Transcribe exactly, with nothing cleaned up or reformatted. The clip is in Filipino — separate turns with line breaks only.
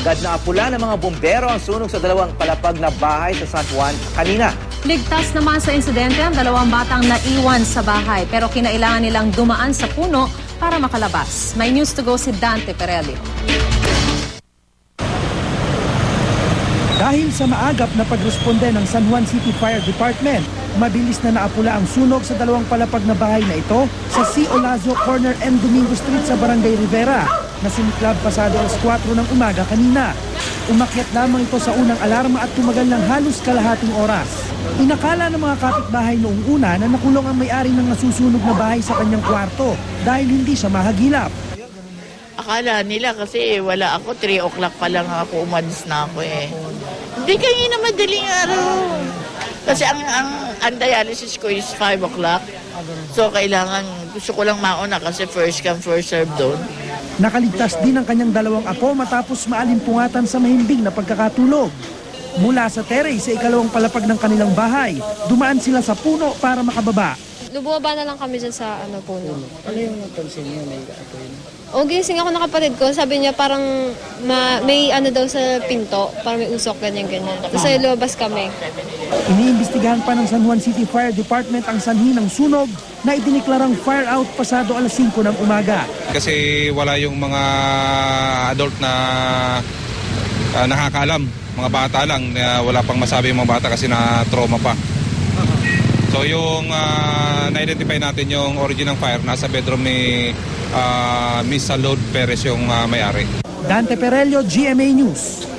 Agad na apula ng mga bumbero ang sunog sa dalawang palapag na bahay sa San Juan kanina.
Ligtas naman sa insidente ang dalawang batang naiwan sa bahay pero kinailangan nilang dumaan sa puno para makalabas. May news to go si Dante Perelio.
Dahil sa maagap na pagresponde ng San Juan City Fire Department, mabilis na naapula ang sunog sa dalawang palapag na bahay na ito sa C. Olazo Corner and Domingo Street sa Barangay Rivera na sumiklab pasado alas kwatro ng umaga kanina. Umakyat lamang ito sa unang alarma at tumagal ng halos kalahating oras. Inakala ng mga kapitbahay noong una na nakulong ang may-ari ng nasusunog na bahay sa kanyang kwarto dahil hindi siya mahagilap.
Akala nila kasi wala ako, three o'clock pa lang ako, umalis na ako eh. Hindi kayo na madaling araw. Kasi ang, ang, ang dialysis ko is five o'clock. So kailangan, gusto ko lang mauna kasi first come, first serve doon.
Nakaligtas din ang kanyang dalawang apo matapos maalimpungatan sa mahimbing na pagkakatulog. Mula sa terrace sa ikalawang palapag ng kanilang bahay, dumaan sila sa puno para makababa.
Lubaba na lang kami dyan sa ano, puno.
Ano yung napansin niyo? May apoy na?
O gising ako ng kapatid ko, sabi niya parang ma, may ano daw sa pinto, parang may usok, ganyan-ganyan. Tapos ay lumabas kami.
Iniimbestigahan pa ng San Juan City Fire Department ang sanhi ng sunog na idiniklarang fire out pasado alas singko ng umaga.
Kasi wala yung mga adult na uh, nakakaalam, mga bata lang, uh, wala pang masabi yung mga bata kasi na trauma pa. So yung uh, na-identify natin yung origin ng fire, nasa bedroom ni uh, Miss Salud Perez yung uh, may-ari.
Dante Perelio, G M A News.